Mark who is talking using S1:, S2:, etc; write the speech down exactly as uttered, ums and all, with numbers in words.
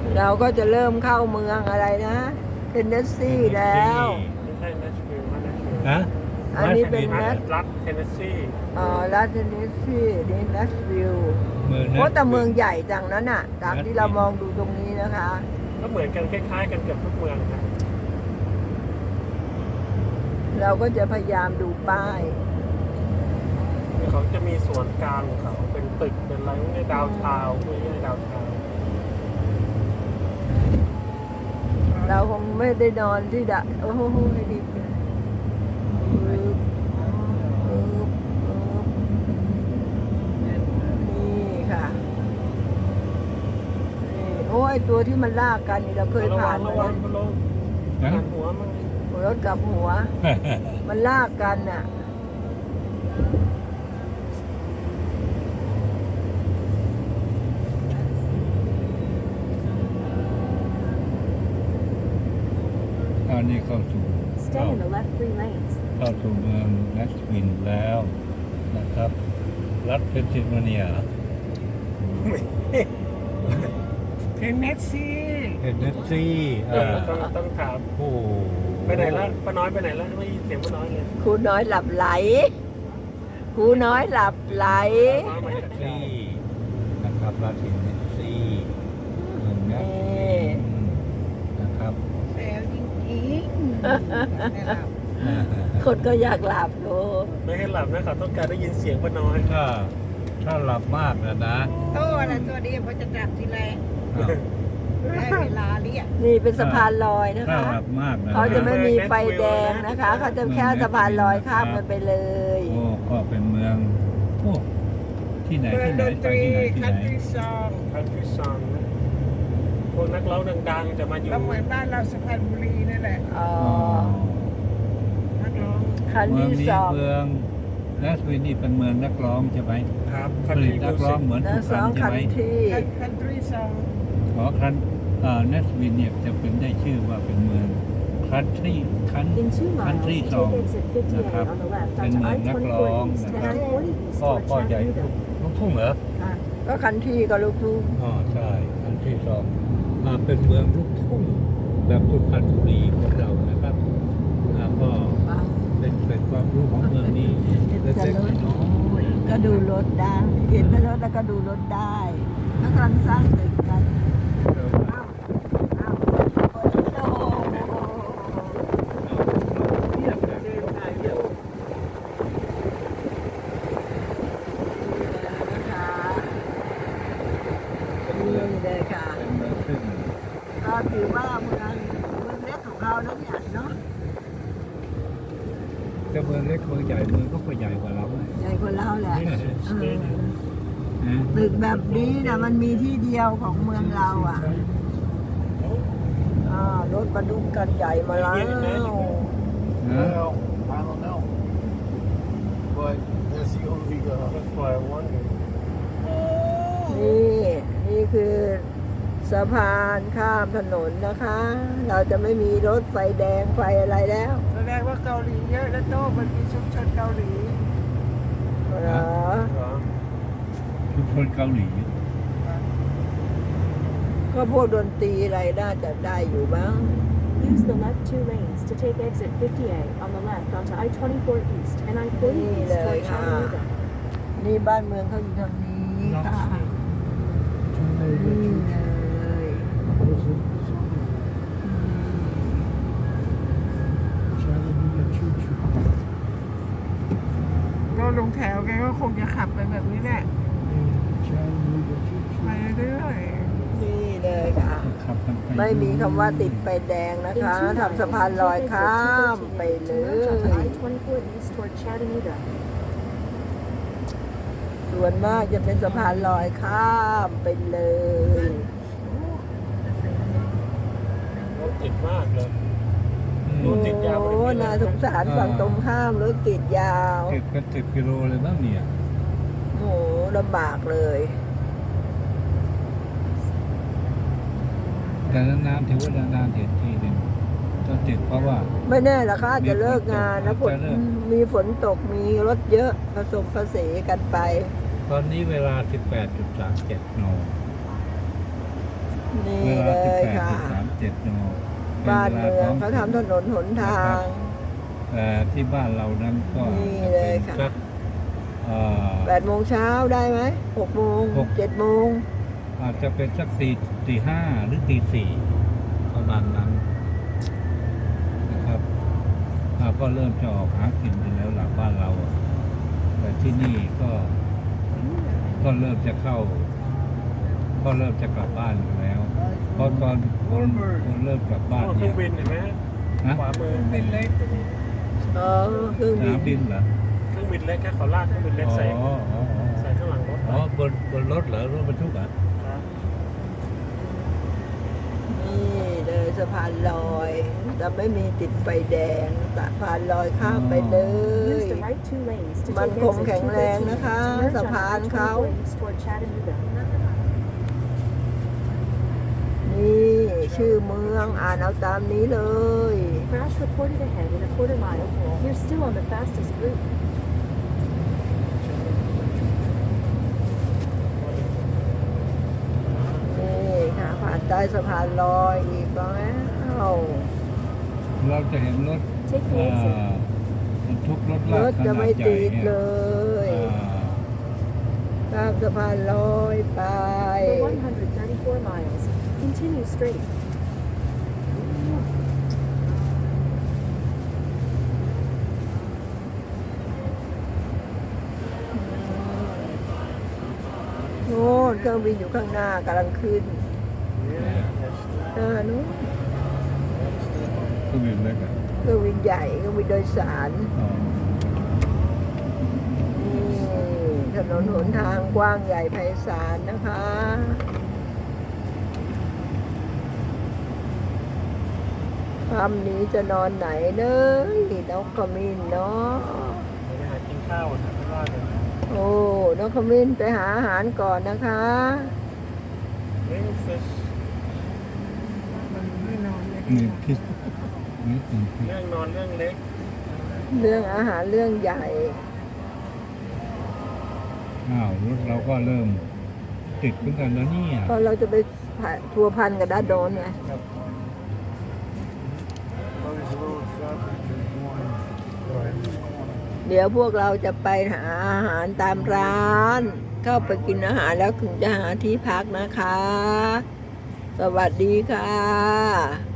S1: เราก็จะเริ่มเข้าเมืองอะไรนะเทนเนสซีแล้ว
S2: ไม่ใช่นัชวิลล์นะนัชวิลล์
S3: นะ
S1: อันนี้เป็น
S2: รั
S1: นั
S2: ฐ
S1: ช
S2: รัฐเทนเนสซี
S1: อ๋อรัฐเทนเนสซีนี่นัชวิลล์
S3: เมือง
S1: โอ้แต่เมืองใหญ่จังนั้นน่ะตามที่เรามองดูตรงนี้นะคะ
S2: ก็เหมือนกันคล้ายๆกันเกือบทุกเมืองนะ
S1: เราก็จะพยายามดูป้าย
S2: เขาจะมีส่วนกลางของเขาเป็นตึกเป็นอะไรพวกนี้ดาวทาวน์พวกนี้ดาวทาวน์
S1: เราคงไม่ได้นอนที่ดะโอ้โหดีปึ๊บปึ๊บปึ๊บนี่ค่ะนี่โอ้ยตัวที่มันลากกันนี่เราเคย
S2: ระวั
S1: ผ่าง น
S2: ระ
S1: มา
S2: วั
S1: แล้
S2: ง
S1: ว
S2: ระวังหันหัวมัน
S1: รถกับหัว มันลากกันน่ะ
S3: ตอนนี้เข้าสู่
S4: Stay in the left three lanes.
S3: เข้าสู่เมืองแนชวิลล์แล้วนะครับ รัฐเพนซิลเวเนีย
S2: เทนเนสซี
S3: เทนเนสซี
S2: เอ
S3: อ่า
S2: อต้องต้องถาม
S3: โอ้
S2: ไปไหนละป้าน้อยไปไหนละไม่ยินเสียงป้าน้อยเลย
S1: ครูน้อยหลับไหลครูน้อยหลับไหล
S2: ป้าน้อยมาจาก
S3: ซี
S2: ที่
S3: นะครับรัฐเทนเนสซีเมืองแนชวิลล์นะครับ
S5: แซวจริงๆไม่หลับ
S1: คนก็อยากหลับโล
S2: ไม่ให้หลับนะเขาต้องการได้ยินเสียงป้าน้อย
S3: ถ้าถ้าหลับมากนะนะ
S5: โตนะตัวนี้พอจะจับทีไร
S3: อ้าว
S5: ได้เวลาเรียก
S1: นี่เป็นสะพานลอยนะ
S3: ถ้า
S1: คะ
S3: หลับมากนะ
S1: เขาจะไม่มีไฟแดงนะคะ เขาจะแค่สะพานลอยข้ามกันไปเลย
S3: โอ้ก็เป็นเมืองโอ้ที่ไหน
S5: เมือง
S3: ที่ไห
S5: ด
S3: น
S5: น
S3: ไป
S5: ตรี
S3: ที่ไหนที่
S5: คั
S3: ไห
S5: น
S3: น
S5: ทรีซอง
S2: คันทรีซองนะพวกนักร้องดังๆจะมาอยู่
S5: ก็เหมือนบ้านเราสุพรรณบุรีนั่นแหละ
S1: อ๋อ
S5: นักร้อง
S1: คัน
S3: เมือง
S1: ที่
S3: นี้
S1: สอง
S3: เมืองแนชวิลล์นี่เป็นเมืองนักร้องใช่ไหม
S2: ครับ
S3: ผ
S2: คันท
S3: ลิ
S2: รี
S3: ตนักร้องเหมือน
S1: นะ
S3: ทุก
S1: ส
S3: ค
S1: อน ง
S3: ใช่
S1: คัน
S3: ไหม
S1: ที่
S5: คันทรีซอง
S3: ขอคันเอ่อแนชวิลล์เนี่ยจะเป็นได้ชื่อว่าเป็นเมืองคันทรีคัน
S4: In two miles,
S3: Country
S4: take
S3: song
S4: exit fifty-eight
S3: นะครับ
S4: on the left
S3: เป็น
S4: onto
S3: เมืองนัก
S4: I
S3: ร้อง
S4: twenty-four East
S3: นะ
S4: and
S3: ครับ
S4: I forty East
S3: ก็
S4: toward
S3: ก็ใหญ่
S4: Chattanooga.
S3: ลูกทุ่งเหรอ
S1: ค่ะก็คันที่กับลูกทุ่ง
S3: อ๋อใช่คันทรีสองอ่าเป็นเมืองลูกทุ่งแบบสุพรรณบุรีของเรานะครับอ่าก็เป็นเป็นความรู้ของเมืองนี้เล็กๆน้อย
S1: ก็ดูรถได้ เห็นรถแล้วก็ดูรถได้แล้วกำลังสร้างตึกกัน
S3: ๆ
S1: อ้าวอ้าวโอ้โหนี่นะคะนี่เลยค่ะ
S3: เป็นเมืองซึ่ง
S1: ก็ถือว่าเมืองเมืองเล็กของเราแล้วเนี่ยเนาะ
S3: จะเมืองเล็กเมืองใหญ่เมืองก็ก็ใหญ่กว่าเราเลย
S1: ใหญ่กว่าเราแหละเออ
S3: นะ
S1: ตึกแบบนี้นะมันมีที่เดียวของเมืองเราอ่ะอ่ารถบรรทุกกันใหญ่มาแล้ว
S3: นะ
S6: Well, I don't know. But that's the only, uh,
S2: That's why I wonder
S1: นี่นี่คือสะพานข้ามถนนนะคะ เราจะไม่มีรถไฟแดงไฟอะไรแล้ว
S5: แสดงว่าเกาหลีเยอะแล้วโตมันมีชุมชนเกาหลี
S1: เหรอ
S2: เหรอ
S3: ชุมชนเกาหลี
S1: ก็พวกดนตรีอะไรน่าจะได้อยู่บ้าง
S4: Use the left two lanes to take exit fifty-eight on the left onto I twenty-four East and I forty East toward Chattanooga.
S1: นี่บ้านเมืองเขาอยู่ทางนี้ค่ะนี่เลย
S5: ก็ลงแถวแกก็คงจะขับไปแบบนี้แหละไปเรื่อย
S1: นี่เลยค่ะ
S3: ขับกันไป
S1: ไม่มีคำว่าติดไฟแดงนะ
S4: In
S1: คะ
S4: two miles,
S1: ทำสะพานลอย
S4: take exit
S1: ข้ามไป
S4: two thirteen
S1: เล
S4: to merge onto
S1: ย
S4: I twenty-four East toward Chattanooga.
S1: ส่วนมากจะเป็นสะพานลอยข้ามไปเลย
S2: รถติดมากเลย
S3: อืม
S1: โอ้น่าสงสารฝั่งตรงข้ามรถติดยาว
S3: ติดเป็นสิบกิโลเลยบ้างเนี่ย
S1: โอ้ลำบากเลย
S3: แต่นานๆถือว่านานๆเห็นทีหนึ่งต้องติดเพราะว่า
S1: ไม่แน่ละค่ะจะเลิกงานนะฝน
S3: จะเลิก
S1: มีฝนตกมีรถเยอะผสมผสานกันไป
S3: ตอนนี้เวลา สิบแปดจุดสามเจ็ด น
S1: นนี่
S3: เว
S1: เล
S3: ลาสิบ
S1: ย
S3: แปด
S1: ค่ะ
S3: จุดสามเจ็ดน
S1: บ้านเมืองเขาทำถนนหนทาง
S3: แต่ที่บ้านเรานั้นก็
S1: นี่
S3: จะ
S1: เล
S3: เป็
S1: ย
S3: น
S1: ค่ะ
S3: สักเอ่อ
S1: แปดโมงเช้าได้ไหมหกโมง
S3: หก
S1: เจ็ดโมง
S3: อาจจะเป็นสักตีตีห้าหรือตีสี่ประมาณนั้นนะครับอ่าก็เริ่มจะออกหากินกันแล้วหลังบ้านเราอะแต่ที่นี่ก็ก็เริ่มจะเข้า ก็เริ่มจะกลับบ้านกันแล้วเพราะตอนคนคนเริ่มกลับบ้าน
S2: เครื่
S3: เนี่
S2: อย งบินเห็นไหม
S3: นะ
S2: ขวามือ
S6: เป็นเล็ก
S1: เออเครื่อง
S3: ส
S1: บิ
S3: นาน มบินเหรอ
S2: เครื่องบินเล็กแค่ขอลากเครื่องบินเล็ก
S3: อ๋อ
S2: ใส่
S3: อ๋ออ๋อ
S2: ใส่ข้างหลังรถ
S3: อ๋อบนบนรถเหรอรถบรรทุกอ่ะ
S2: ครับ
S1: นี่เลยสะพานลอยจะไม่มีติดไฟแดงสะพานลอยข้ามไปเล
S4: Use
S1: ย
S4: the right two lanes to
S1: มัน
S4: take
S1: คง
S4: exit
S1: แข็งแรง
S4: two thirteen
S1: นะคะ
S4: to merge
S1: สะ
S4: on
S1: พาน
S4: I
S1: เขา
S4: twenty-four east toward Chattanooga.
S1: นี่ชื่อเมืองอ่านเอาตามนี้เลย
S4: Crash reported ahead in a quarter mile. You're still on the fastest route.
S1: นี่ค่ะผ่านใต้สะพานลอยอีกแล้ว
S3: เราจะเห็นรถ
S4: Take
S3: เอ่
S4: the
S3: อ
S4: exit.
S3: บรรทุกรถ
S1: ร
S3: ลาก
S1: ถ
S3: ข
S1: จะ
S3: นา
S1: ไม่
S3: ดใหญ่
S1: ติด
S3: เนี่ย
S1: เลย
S3: อ่า
S1: ข้ามสะพานลอยไป
S4: For one hundred thirty-four miles, continue straight.
S1: โน่นเครื่องบินอยู่ข้างหน้ากำลังขึ้นเออนู้น
S3: เครื่องบินเล็กอ่ะ
S1: เครื่องบินใหญ่เครื่องบินโดยสาร
S3: อ๋อ
S1: นี่ถนนหนทางกว้างใหญ่ไพศาลนะคะค่ำนี้จะนอนไหนเลยนกขมิ้นเนาะ
S2: ไปหากินข้าวนะไม่ว่ากัน
S1: โอ้นกขมิ้นไปหาอาหารก่อนนะคะ
S2: เลี้ยงฟิช
S5: มันไม่นอนเลย
S3: นี่คิดนี่อืม
S2: เรื่องนอนเรื่องเล็ก
S1: เรื่องอาหารเรื่องใหญ่
S3: อ้าวรถเราก็เริ่มติดเหมือนกันแล้วเนี่ย
S1: เพราะเราจะไปทัวร์พันกับด้านโดนไง เดี๋ยวพวกเราจะไปหาอาหารตามร้าน เข้าไปกินอาหารแล้วถึงจะหาที่พักนะคะ สวัสดีค่ะ